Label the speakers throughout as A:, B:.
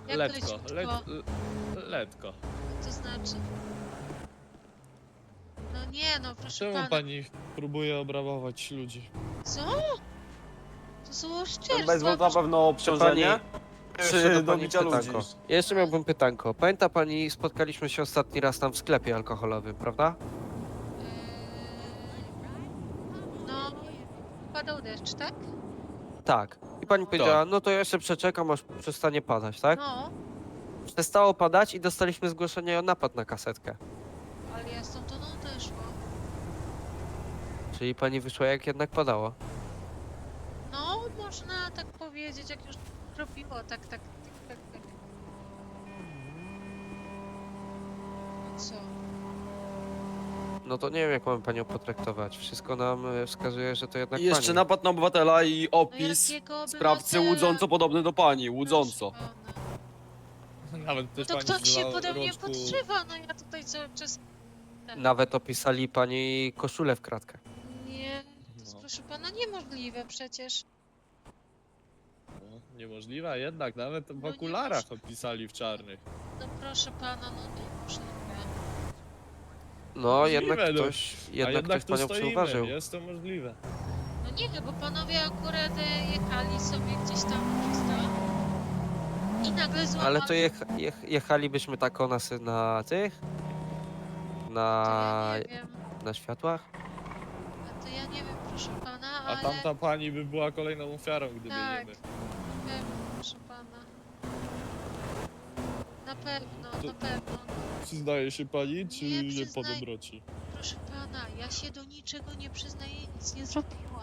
A: Jak
B: Letko,
A: leciutko?
B: letko.
A: To znaczy? No nie, no proszę
B: Czemu
A: pana.
B: pani próbuje obrabować ludzi?
A: Co? To są
C: Ten
A: oszczerstwa.
C: baseball to na pewno obciążenie?
D: Jeszcze
C: Czy
D: do
C: do
D: pani
C: bicia ludzi?
D: pytanko. Jeszcze miałbym pytanko. Pamięta pani, spotkaliśmy się ostatni raz tam w sklepie alkoholowym, prawda?
A: No, padał deszcz, tak?
D: Tak. I pani powiedziała, no to ja jeszcze przeczekam, aż przestanie padać, tak?
A: No,
D: Przestało padać i dostaliśmy zgłoszenie o napad na kasetkę.
A: ale ja stamtąd odeszłam.
D: Czyli pani wyszła jak jednak padało.
A: No, można tak powiedzieć, jak już robiło, tak. No co?
D: No to nie wiem, jak mamy panią potraktować. Wszystko nam wskazuje, że to jednak
C: I jeszcze
D: pani.
C: napad na obywatela i
A: No
C: opis
A: jakiego
C: sprawcy
A: obywatela?
C: łudząco podobny do pani, łudząco.
A: Proszę pana.
B: Nawet też
A: To
B: pani
A: kto się
B: na
A: pode mnie
B: rączku...
A: podszywa? No ja tutaj cały czas...
D: Nawet opisali pani koszulę w kratkę.
A: Nie, to jest
B: No.
A: proszę pana niemożliwe przecież.
B: No, niemożliwe, a jednak nawet w
A: No nie
B: okularach opisali w czarnych.
A: No proszę pana, no niemożliwe.
D: No,
B: Możliwe,
D: jednak
B: no.
D: ktoś,
B: A
D: jednak
B: jednak
D: ktoś
B: tu
D: panią
B: stoimy,
D: przeuważył.
B: jest to możliwe.
A: No nie, bo panowie akurat jechali sobie gdzieś tam przez to i nagle złamali...
D: Ale to jechalibyśmy tak o nas na tych?
A: To
D: Na,
A: ja nie wiem,
D: na światłach?
A: to ja nie wiem, proszę pana,
B: A
A: ale...
B: tamta pani by była kolejną ofiarą, gdyby
A: Tak,
B: nie my.
A: na pewno, proszę pana. Na pewno,
B: To-
A: na pewno.
B: Przyznaje się pani, czy
A: Nie
B: nie po
A: przyznaję.
B: dobroci?
A: Proszę pana, ja się do niczego nie przyznaję, nic nie zrobiłam.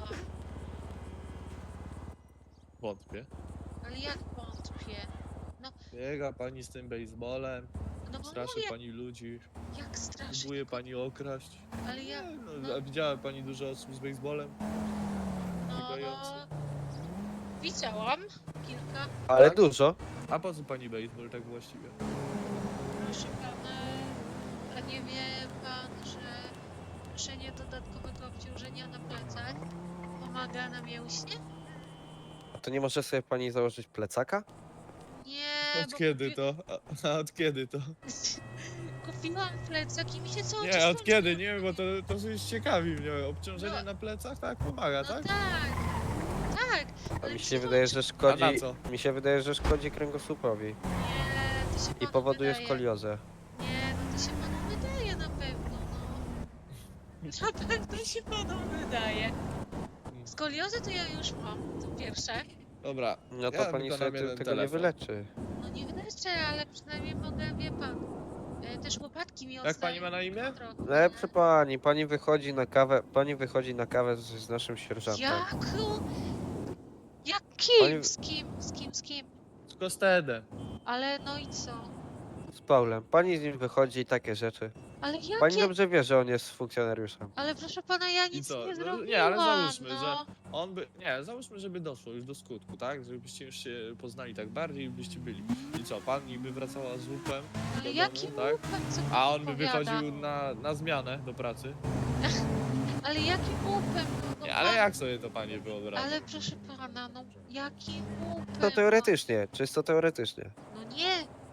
B: Wątpię.
A: Ale jak wątpię?
B: Biega pani z tym baseballem,
A: No bo
B: straszy
A: mówię,
B: pani ludzi,
A: jak strasznie.
B: próbuje pani okraść.
A: Ale jak,
B: Nie,
A: no.
B: A widziała pani dużo osób z baseballem?
A: no...
B: biegający.
A: Widziałam kilka,
D: Ale
B: Tak?
D: dużo.
B: A po co pani baseball tak właściwie?
A: proszę pana. A nie wie pan, że noszenie dodatkowego obciążenia na plecach pomaga na mięśnie?
D: A to nie może sobie pani założyć plecaka?
A: Nie,
B: Od
A: bo
B: kiedy to? A od kiedy to?
A: kupiłam plecak i mi się cały czas
B: Nie, od
A: kończy.
B: kiedy? Nie, bo to już ciekawi mnie. Obciążenie
A: No.
B: na plecach tak pomaga,
A: No
B: tak?
A: tak, tak.
D: A
A: Ale
D: mi
A: mi
D: się
A: się
D: wydaje, że szkodzi.
B: A na co?
D: Mi się wydaje, że szkodzi kręgosłupowi.
A: Nie, to się
D: I
A: panu
D: powoduje
A: wydaje.
D: skoliozę.
A: Nie, no to się panu wydaje na pewno, no. Na pewno się panu wydaje. Skoliozę to ja już mam, to pierwsze.
B: Dobra.
D: No to
B: Ja
D: pani
B: wykonam
D: sobie
B: jeden
D: tego nie
B: telefon.
D: wyleczy.
A: No nie wyleczę, ale przynajmniej mogę, wie pan. Też łopatki mi
B: Jak
A: odstają.
B: pani ma na imię?
A: trochę.
D: Ale proszę pani wychodzi na kawę, z naszym sierżantem.
A: Jaką? Jak kim?
D: Pani-
A: Z kim?
B: Z Kostedem.
A: Ale no i co?
D: Z Paulem. Pani z nim wychodzi i takie rzeczy.
A: Ale jakie?
D: Pani dobrze wie, że on jest funkcjonariuszem.
A: Ale proszę pana, ja
B: I
A: nic
B: co?
A: nie
B: No,
A: zrobiłam,
B: nie, ale załóżmy,
A: no.
B: że on by... Nie, załóżmy, żeby doszło już do skutku, tak? Żebyście już się poznali tak bardziej i byście byli. I co, pani by wracała z łupem
A: Ale
B: do
A: jakim
B: domu, tak?
A: łupem, co pan
B: A on by
A: opowiada?
B: wychodził na zmianę do pracy.
A: Ale jakim łupem? No,
B: Nie, ale
A: pan-
B: jak sobie to pani wyobraża?
A: Ale proszę pana, no jakim łupem?
D: To teoretycznie, czysto teoretycznie.
A: No nie,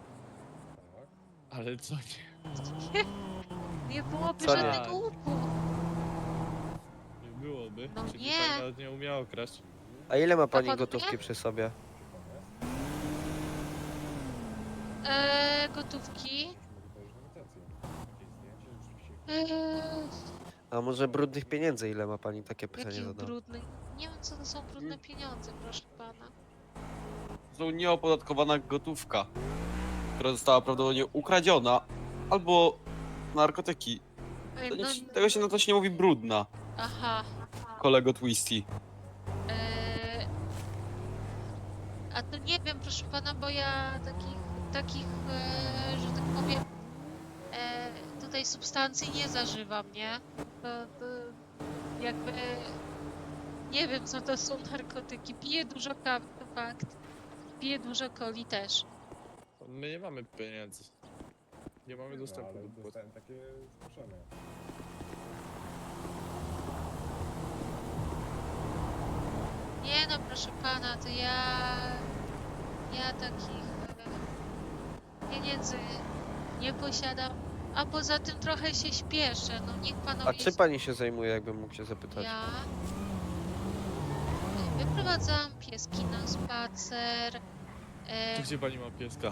B: Ale co nie?
A: nie byłoby
D: Co nie?
A: żadnego łupu.
B: Nie byłoby.
A: No
B: Czyli
A: nie.
B: pani nawet nie umiała okraść.
D: A ile ma pani
A: pan
D: gotówki
A: wie?
D: przy sobie?
A: Gotówki. Eee,
D: A może brudnych pieniędzy ile ma pani? Takie pytanie
A: jakich
D: zadam.
A: brudnych? Nie wiem, co to są brudne pieniądze, proszę pana.
C: To nieopodatkowana gotówka, która została prawdopodobnie ukradziona, albo narkotyki.
A: Ej,
C: To
A: no,
C: tego się na to się nie mówi brudna,
A: aha.
C: kolego Twisty.
A: Eee, a to nie wiem, proszę pana, bo ja takich, że tak powiem, tutaj substancji nie zażywam, nie? To jakby nie wiem, co to są narkotyki. Piję dużo kawy, to fakt. Piję dużo coli też.
B: My nie mamy pieniędzy. Nie mamy dostępu
E: ale
B: do płat.
E: dostałem takie zgłoszone.
A: Nie no, proszę pana, to ja takich pieniędzy nie posiadam, a poza tym trochę się śpieszę, no niech
D: A
A: panowie...
D: czym pani się zajmuje, jakbym mógł się zapytać?
A: Ja wyprowadzam pieski na spacer,
B: Tu gdzie pani ma pieska?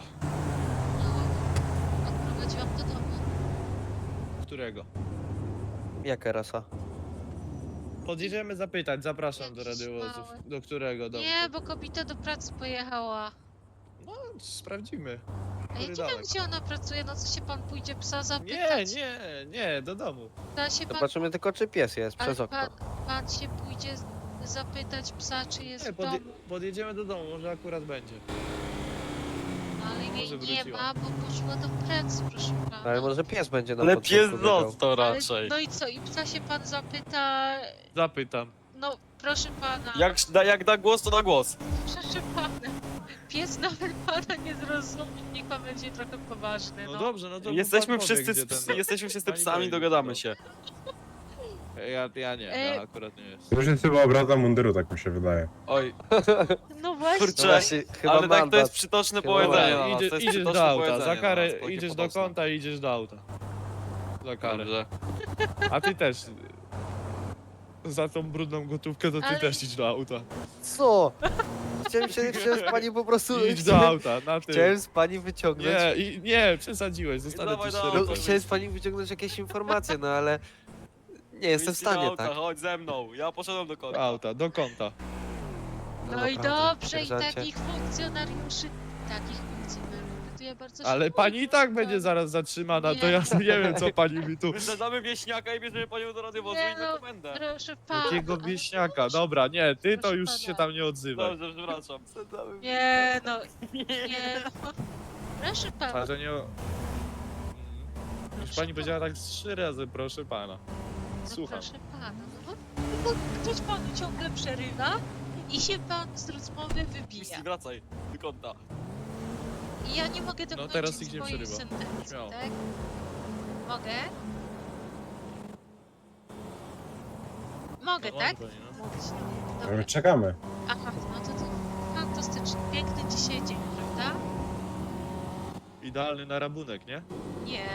A: no, odprowadziłam do domu.
B: Którego?
D: Jaka rasa?
B: Podjedziemy zapytać, zapraszam do
A: Jakiś
B: radiowozów.
A: mały.
B: Do którego domu?
A: Nie, bo kobieta do pracy pojechała.
B: No, sprawdzimy.
A: A ja
B: Który
A: nie wiem,
B: domek?
A: gdzie ona pracuje, no co się pan pójdzie psa
B: Nie,
A: zapytać?
B: nie, do domu.
A: Da się pan,
D: Zobaczymy tylko, czy pies jest
A: ale
D: przez okno.
A: pan się pójdzie zapytać psa, czy jest
B: Nie,
A: w domu.
B: podjedziemy do domu, może akurat będzie.
A: Ale jej
B: Może
A: nie
B: wróciła.
A: ma, bo poszła do pracy, proszę pana.
D: Ale może pies będzie na
C: Ale
D: początku
C: pies
D: biegał.
C: został
A: Ale-
C: raczej.
A: No i co, i psa się pan zapyta,
B: Zapytam.
A: no proszę pana,
C: Jak da głos, to da głos.
A: proszę pana, pies nawet pana nie zrozumie, niech pan będzie trochę poważny,
B: No
A: no.
B: dobrze, no to
C: Jesteśmy
B: pan powie,
C: wszyscy,
B: gdzie ten-
C: jesteśmy wszyscy
B: Pani
C: psami,
B: powie,
C: dogadamy
B: gdzie
C: się.
B: Ja nie, ja akurat nie jest.
E: To już jest chyba obraza munduru, tak mi się wydaje.
C: Oj,
A: No właśnie,
C: kurczę,
D: No właśnie, chyba
C: ale tak to
D: mandat.
C: jest przytoczne
D: Chyba
C: powiedzenie
D: mandat.
C: na nas, to
B: Idzie,
C: jest
B: idziesz
C: przytoczne
B: do auta,
C: powiedzenie
B: za
C: na
B: karę
C: nas, takie
B: idziesz do
C: potoczne.
B: kąta i idziesz do auta. Za karę.
C: Dobrze.
B: A ty też. Za tą brudną gotówkę to ty
A: Ale-
B: też idź do auta.
D: Co? Chciałem z pani po prostu...
B: Idź do auta, na tył.
D: Chciałem z pani wyciągnąć...
B: Nie, przesadziłeś, zostanę
C: Dawaj
B: ci
C: do
B: szczery.
C: auta.
D: No, chciałem z pani wyciągnąć jakieś informacje, no ale... Nie jestem w
C: Idź do
D: stanie,
C: auta,
D: tak?
C: Chodź ze mną, ja poszedłem do
B: Do
C: kąta.
B: auta, do kąta.
A: no i
D: naprawdę,
A: dobrze, i
D: sierżancie.
A: takich funkcjonariuszy to ja bardzo
B: Ale
A: szanuję,
B: pani i tak
A: proszę
B: będzie
A: pana.
B: zaraz zatrzymana, to
A: Nie.
B: ja nie wiem co pani mi tu...
C: Wysadzamy wieśniaka i bierzemy panią do radiowozu
A: Nie
C: i na
A: no,
C: komendę.
A: proszę pana.
B: Jakiego
A: ale
B: wieśniaka?
A: proszę.
B: Dobra, nie, ty to
A: Proszę
B: już
A: pana.
B: się tam nie odzywaj.
C: Dobrze, przepraszam.
A: Nie no, nie no. Proszę pana.
B: Ale to nie... Już pani powiedziała tak z 3 razy, proszę pana.
A: No
B: Słucham.
A: proszę pana, no bo ktoś panu ciągle przerywa i się pan z rozmowy wybija.
C: Misji, wracaj do kąta.
A: I ja nie mogę dokończyć
B: teraz nikt nie
A: swojej
B: przerywa.
A: sentencji,
B: Śmiało.
A: tak? Mogę? Mogę,
B: No,
A: tak?
B: pani, no.
A: Mówić.
E: Ale
A: Dobra.
E: my czekamy.
A: Aha, no to fantastycznie. Piękny dzisiaj dzień, prawda?
B: Idealny na rabunek, nie?
A: Nie.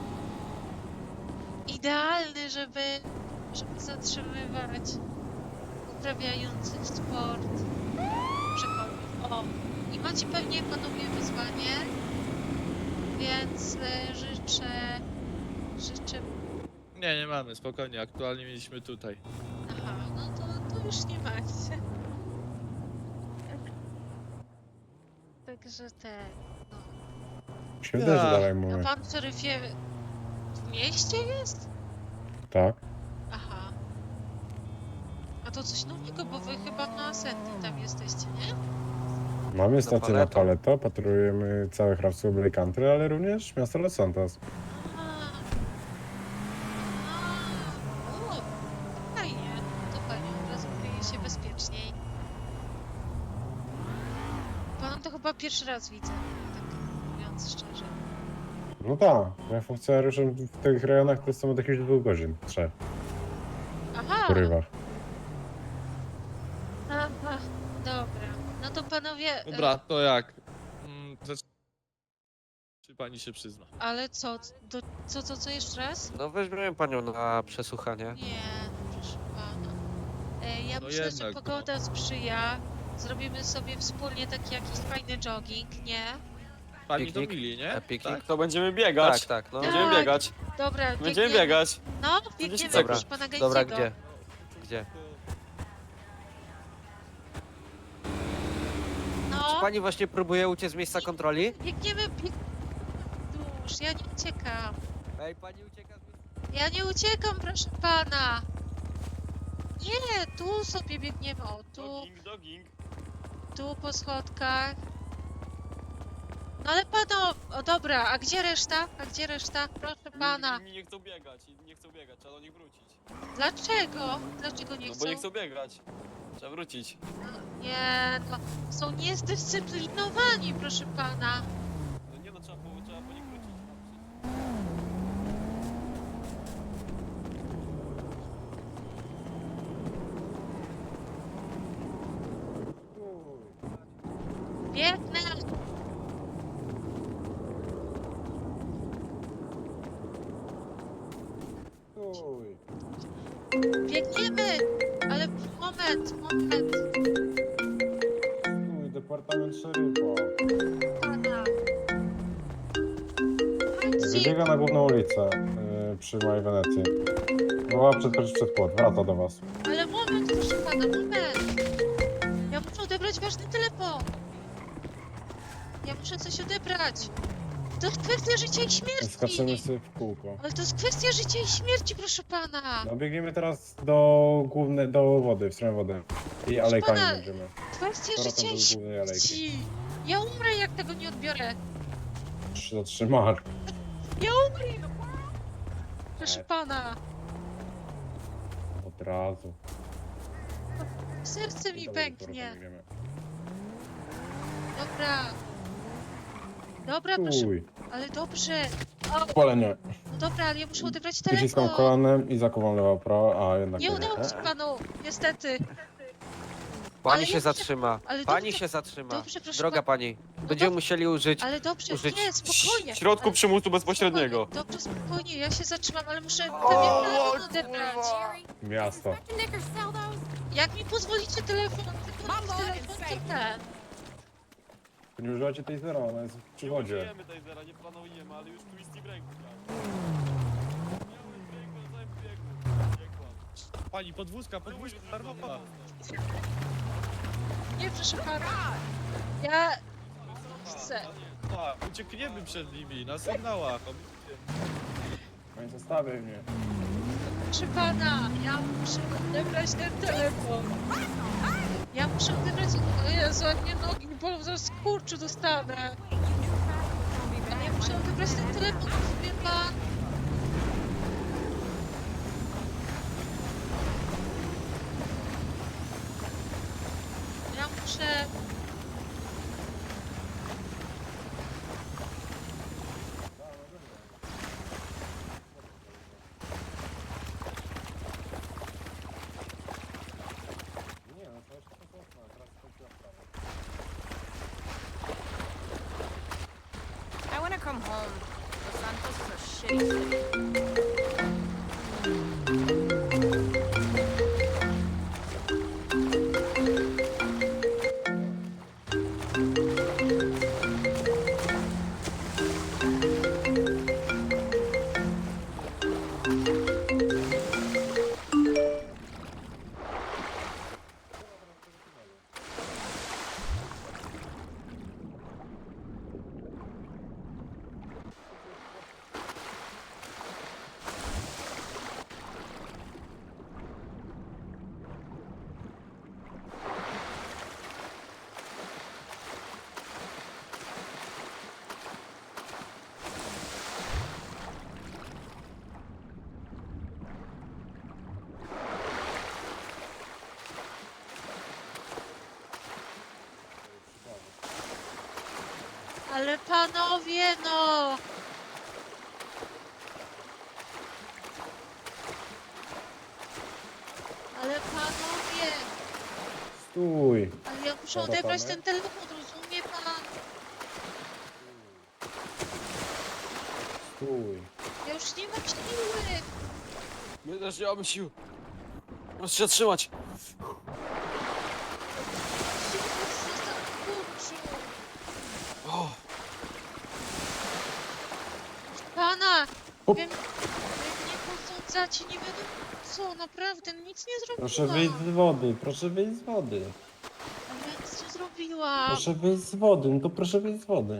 A: Idealny, żeby zatrzymywać uprawiających sport przechodniów. O, i macie pewnie panowie wyzwanie, więc życzę...
B: Nie mamy, spokojnie, aktualnie mieliśmy tutaj.
A: Aha, no to już nie macie. Także no.
E: Mi się wydaje, że
B: Ja.
E: dalej
A: A
E: mówię.
A: pan w Ceryfie w mieście jest?
E: Tak.
A: Aha. A to coś nowego, bo wy chyba na Senni tam jesteście, nie?
E: Mamy stację na
D: Paleto.
E: Paleto, patrolujemy całe hrabstwo Black Country, ale również miasto Los Santos.
A: Aha. Aha. O, fajnie. To fajnie, od razu kryje się bezpieczniej. Pana to chyba pierwszy raz widzę, tak mówiąc szczerze.
E: No tak, ja funkcjonariuszem w tych rejonach to jestem od jakichś 2 godzin, 3
A: Aha!
E: w porywach.
A: Aha, dobra. No to panowie...
B: Dobra, to jak? Czy pani się przyzna?
A: Ale co? Co jeszcze raz?
D: No weźmiemy panią na przesłuchanie.
A: Nie, proszę pana. Ja
B: No
A: myślę, że
B: jednak,
A: pogoda sprzyja. Zrobimy sobie wspólnie taki jakiś fajny jogging, nie?
B: Pani
D: Piknik?
B: to mili, nie?
D: A piknik?
B: Tak?
C: To będziemy biegać.
D: Tak, no.
C: Będziemy
A: Tak.
C: biegać.
A: Dobra,
C: Będziemy
A: biegniemy.
C: biegać.
A: No, biegniemy,
C: Dobra.
A: proszę pana Gajciego.
D: Dobra, gdzie? Gdzie?
A: No,
D: Pani właśnie próbuje uciec z miejsca kontroli?
A: biegniemy, Już, ja nie uciekam.
D: Ej, pani ucieka z miejsca...
A: Ja nie uciekam, proszę pana. Nie, tu sobie biegniemy, o,
C: Jogging.
A: tu po schodkach. No ale pano, o dobra, a gdzie reszta? A gdzie reszta? Proszę pana.
C: Inni nie chcą biegać, nie chcą biegać, trzeba do nich wrócić.
A: Dlaczego? Dlaczego nie
C: No
A: chcą?
C: bo nie chcą biegać. Trzeba wrócić.
A: Nie, no, są niezdyscyplinowani, proszę pana.
C: No nie no, trzeba po nich wrócić.
A: Biegnę. moment.
E: Stój, departament szeryfa.
A: Pana.
E: Wybiega na główną ulicę przy mojej Wenecji. Była przed płot, wraca do was.
A: Ale moment, proszę pana, moment. Ja muszę odebrać ważny telefon. Ja muszę coś odebrać. To jest kwestia życia i
E: Skaczemy
A: śmierci.
E: sobie w kółko.
A: Ale to jest kwestia życia i śmierci, proszę pana.
E: No biegniemy teraz do wody, w stronę wody. I alejkami
A: pana,
E: będziemy.
A: Kwestia
E: Powrotem
A: życia
E: do
A: i
E: głównej alejki.
A: śmierci. Ja umrę, jak tego nie odbiorę.
E: Zatrzymać.
A: Ja umrę. Proszę pana.
E: Od razu.
A: Serce mi
E: I dalej do
A: pęknie.
E: powrotem biegniemy.
A: Dobra. Dobra, proszę.
E: Stój.
A: Ale dobrze. O,
E: Palenie.
A: no dobra, ale ja muszę odebrać
E: Przyciskam
A: telefon.
E: kolanem i zakuwam lewo, prawo, a jednak
A: Nie udało się panu, niestety.
D: Pani
A: ja
D: się
A: muszę-
D: zatrzyma.
A: ale
D: Pani
A: dobrze-
D: się zatrzyma.
A: dobrze, proszę
D: Droga
A: pana.
D: pani, będziemy musieli użyć.
A: Ale dobrze,
D: użyć
A: nie, spokojnie.
C: W środku
A: ale,
C: przymusu bezpośredniego.
A: spokojnie, dobrze, spokojnie, ja się zatrzymam, ale muszę pewien telefon odebrać.
E: Miasto.
F: Inspector Knickers sell those?
A: Jak mi pozwolicie telefon, to ten.
E: Nie używacie tej zera, ona jest w
C: Nie
E: przywodzie.
C: użyjemy tej zera, nie planujemy, ale już twisty w ręku. Tak. Miałem w ręku na całym biegu. Nie kłam.
B: Pani, podwózka darmowa.
A: Nie, proszę pana. Ja chcę.
B: Tak, uciekniemy przed nimi na sygnałach.
E: Nie zostawiaj mnie.
A: Proszę pana, ja muszę odebrać ten telefon. Ja muszę odebrać... O Jezu, jak mnie nogi bolą, zaraz skurczu dostanę. Ale ja muszę odebrać ten telefon, wie pan. Ja muszę...
E: Nie, no to jeszcze to teraz skończyła sprawa.
F: I want to come home. Los Santos is a shitty city.
A: Ale panowie, no! Ale panowie!
E: Stój.
A: Ale ja muszę
E: Dobra,
A: odebrać
E: panie.
A: ten telefon, rozumie pan?
E: Stój.
A: Ja już nie mam siły!
C: My też nie mamy sił. Proszę się trzymać. O,
A: Pana!
E: Hop.
A: Wiem, mnie posądzacie, nie wiadomo co, naprawdę, nic nie zrobiłam.
E: Proszę wyjść z wody, proszę wyjść z wody.
A: Ale ja nic nie zrobiłam.
E: Proszę wyjść z wody, no to proszę wyjść z wody.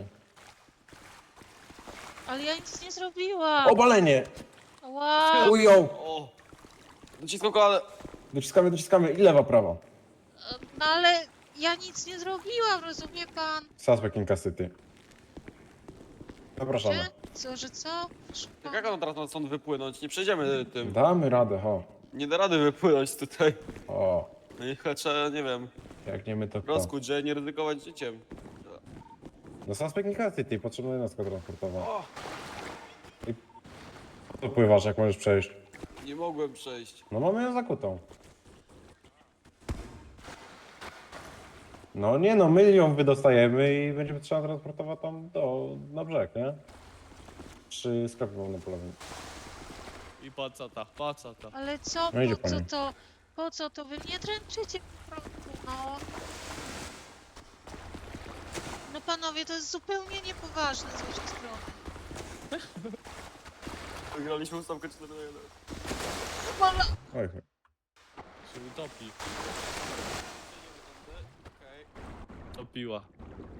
A: Ale ja nic nie zrobiłam.
E: Obalenie!
A: Wow.
E: Ujął!
C: o. Dociskam kolana.
E: Dociskamy i lewa, prawa.
A: No ale ja nic nie zrobiłam, rozumie pan?
E: Suspect in custody. Zapraszamy.
A: Że? Co, że co? Proszę
C: Jak
A: pana.
C: on teraz ma stąd wypłynąć? Nie przejdziemy tym.
E: Damy radę, ho.
C: Nie da rady wypłynąć tutaj.
E: O,
C: No i chyba trzeba, nie wiem,
E: jak nie my to kto?
C: rozkuć, że nie ryzykować życiem.
E: No suspect in custody, potrzebna jednostka transportowa.
C: O,
E: Tu pływasz, jak możesz przejść.
C: nie mogłem przejść.
E: No mamy ją zakutą. No nie no, my ją wydostajemy i będziemy trzeba transportować tam na brzeg, nie? Przy sklepie wolnopolowym.
B: I pacata, pacata.
A: Ale co,
E: No idzie
A: po co
E: pani.
A: to? Po co to wy mnie dręczycie po prostu, no? No panowie, to jest zupełnie niepoważne z waszej strony.
C: Wygraliśmy ustawkę 4-1.
A: Mama!
E: Oj,
B: Się utopi.
C: Okej.
B: Topiła.